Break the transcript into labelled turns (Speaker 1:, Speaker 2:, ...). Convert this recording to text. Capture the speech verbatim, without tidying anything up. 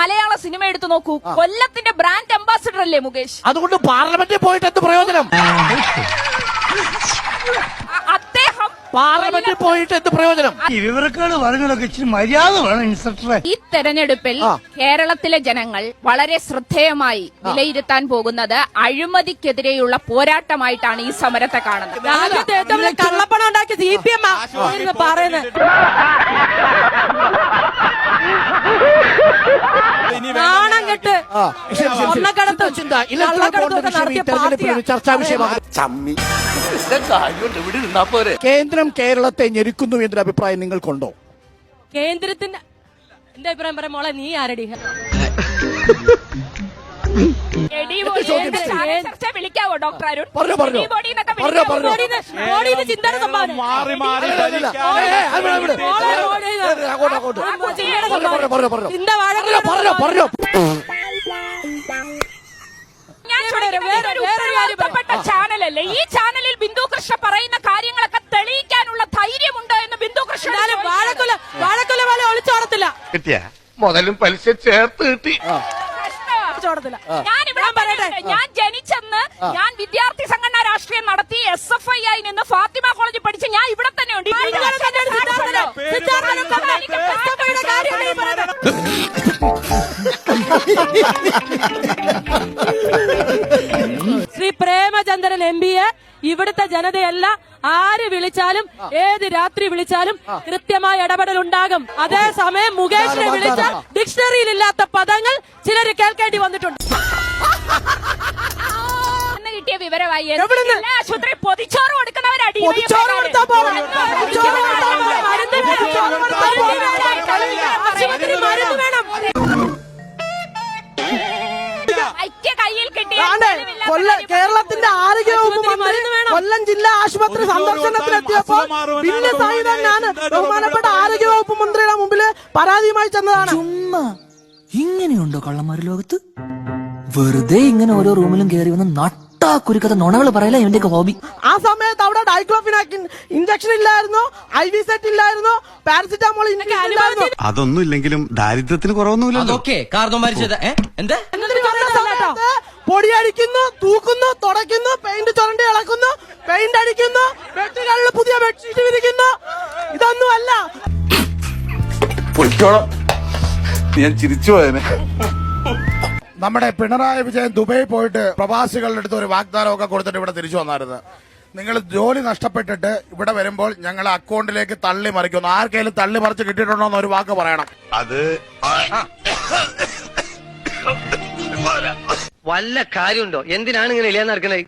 Speaker 1: മലയാള സിനിമ എടുത്തു നോക്കൂ. കൊല്ലത്തിന്റെ ബ്രാൻഡ് അംബാസിഡർ അല്ലേ മുകേഷ്?
Speaker 2: അതുകൊണ്ട് പാർലമെന്റിൽ പോയിട്ട് എന്ത് പ്രയോജനം?
Speaker 1: അദ്ദേഹം
Speaker 2: പാർലമെന്റിൽ പോയിട്ട് എന്ത് പ്രയോജനം?
Speaker 3: ഈ വിവരക്കാട് പറഞ്ഞതൊക്കെ ഇച്ചിരി മര്യാദ വേണം ഇൻസ്പെക്ടറെ.
Speaker 1: ഈ തെരഞ്ഞെടുപ്പിൽ കേരളത്തിലെ ജനങ്ങൾ വളരെ ശ്രദ്ധേയമായി വിലയിരുത്താൻ പോകുന്നത് അഴിമതിക്കെതിരെയുള്ള പോരാട്ടമായിട്ടാണ് ഈ സമരത്തെ കാണുന്നത്.
Speaker 4: രാജ്യത്തെ ഏറ്റവും വലിയ കള്ളപ്പണം ഉണ്ടാക്കി സി പി എം പറയുന്നത്. നാണം കെട്ട് സ്വർണ്ണക്കടത്ത് നടത്തിയ പാർട്ടിയാണ്
Speaker 2: ചർച്ചാ വിഷയമാണ്. കേന്ദ്രം കേരളത്തെ ഞെരുക്കുന്നു എന്നൊരു അഭിപ്രായം നിങ്ങൾക്കുണ്ടോ?
Speaker 4: കേന്ദ്രത്തിന്റെ എന്റെ അഭിപ്രായം പറയാം മോളെ, നീ ആരടി?
Speaker 1: വിളിക്കാവോ ഡോക്ടർ അരുൺ?
Speaker 2: പറഞ്ഞോ പറഞ്ഞോ പറഞ്ഞോ പറഞ്ഞോ
Speaker 4: മോഡിയുടെ ചിന്തയുടെ സംഭാവന.
Speaker 2: അങ്ങോട്ട് അങ്ങോട്ട്
Speaker 4: ചിന്ത വാഴ
Speaker 2: പറഞ്ഞോ പറഞ്ഞോ.
Speaker 1: ചാനലല്ലേ ഈ ചാനലിൽ ബിന്ദു കൃഷ്ണ പറയുന്ന കാര്യങ്ങളൊക്കെ തെളിയിക്കാനുള്ള ധൈര്യമുണ്ടോ എന്ന് ബിന്ദു കൃഷ്ണ
Speaker 4: വാഴക്കുല വാഴക്കുല പോലെ ഒളിച്ചോടത്തില്ല.
Speaker 5: കിട്ടിയ മുതലും പലിശ ചേർത്ത് കിട്ടി.
Speaker 1: ഞാൻ ഇവിടെ പറയട്ടെ, ഞാൻ ജനിച്ചെന്ന് ഞാൻ വിദ്യാർത്ഥി സംഘടന രാഷ്ട്രീയം നടത്തി എസ് എഫ് ഐ ആയി നിന്ന് ഫാത്തിമ കോളേജിൽ പഠിച്ച് ഞാൻ ഇവിടെ തന്നെ ഉണ്ട്.
Speaker 4: ശ്രീ പ്രേമചന്ദ്രൻ എം പിയെ ഇവിടുത്തെ ജനതയല്ല ആര് വിളിച്ചാലും ഏത് രാത്രി വിളിച്ചാലും കൃത്യമായ ഇടപെടൽ ഉണ്ടാകും. അതേസമയം മുകേഷിനെ വിളിച്ച ഡിക്ഷണറിയിൽ ഇല്ലാത്ത പദങ്ങൾ ചിലര് കേൾക്കേണ്ടി വന്നിട്ടുണ്ട്.
Speaker 1: കിട്ടിയ വിവരമായി ആശുപത്രി പൊതിച്ചോറ് കൊടുക്കുന്നവരടി ഐക്യ കയ്യിൽ കിട്ടിയ
Speaker 4: കേരളത്തിന്റെ ആരോഗ്യവകുപ്പ് മന്ത്രി കൊല്ലം ജില്ലാ ആശുപത്രി സന്ദർശനത്തിലെത്തിയപ്പോൾ ഭിന്ന സായുധനാണ് ബഹുമാനപ്പെട്ട ആരോഗ്യവകുപ്പ് മന്ത്രിയുടെ മുമ്പിൽ പരാതിയുമായി ചെന്നതാണ്.
Speaker 6: ചുമ്മാ ഇങ്ങനെയുണ്ടോ കള്ളന്മാര് ലോകത്ത്? വെറുതെ ഇങ്ങനെ ഓരോ റൂമിലും കയറി വന്ന് നട്ടാ കുരുക്കഥ നുണകൾ പറയല ഇവന്റെയൊക്കെ ഹോബി.
Speaker 4: ആ സമയത്ത് അവിടെ ഡൈക്ലോഫിനാക് ഇഞ്ചക്ഷൻ ഇല്ലായിരുന്നു, ഐ വി സെറ്റ് ഇല്ലായിരുന്നു, പാരസിറ്റാമോൾ ഇല്ലായിരുന്നു.
Speaker 5: അതൊന്നും ഇല്ലെങ്കിലും ദാരിദ്ര്യത്തിന് കുറവൊന്നുമില്ലല്ലോ.
Speaker 4: പൊടിയടിക്കുന്നു, തൂക്കുന്നു, തുടയ്ക്കുന്നു, പെയിന്റ് ചുരണ്ടി ഇളക്കുന്നു, പെയിന്റ് അടിക്കുന്നു, ബെഡുകളിൽ പുതിയ ബെഡ്ഷീറ്റ് വിരിക്കുന്നു. ഇതൊന്നും അല്ല.
Speaker 5: ഞാൻ ചിരിച്ചു പോയനെ.
Speaker 7: നമ്മുടെ പിണറായി വിജയൻ ദുബായി പോയിട്ട് പ്രവാസികളുടെ അടുത്ത് ഒരു വാഗ്ദാനമൊക്കെ കൊടുത്തിട്ട് ഇവിടെ തിരിച്ചു വന്നായിരുന്നു. നിങ്ങൾ ജോലി നഷ്ടപ്പെട്ടിട്ട് ഇവിടെ വരുമ്പോൾ ഞങ്ങളെ അക്കൗണ്ടിലേക്ക് തള്ളി മറിക്കുന്നു. ആർക്കെങ്കിലും തള്ളി മറിച്ച് കിട്ടിയിട്ടുണ്ടോ എന്ന് ഒരു വാക്ക് പറയണം.
Speaker 5: അത്
Speaker 8: വല്ല കാര്യമുണ്ടോ? എന്തിനാണ് ഇങ്ങനെ ഇല്ലാന്ന് നടക്കണേ?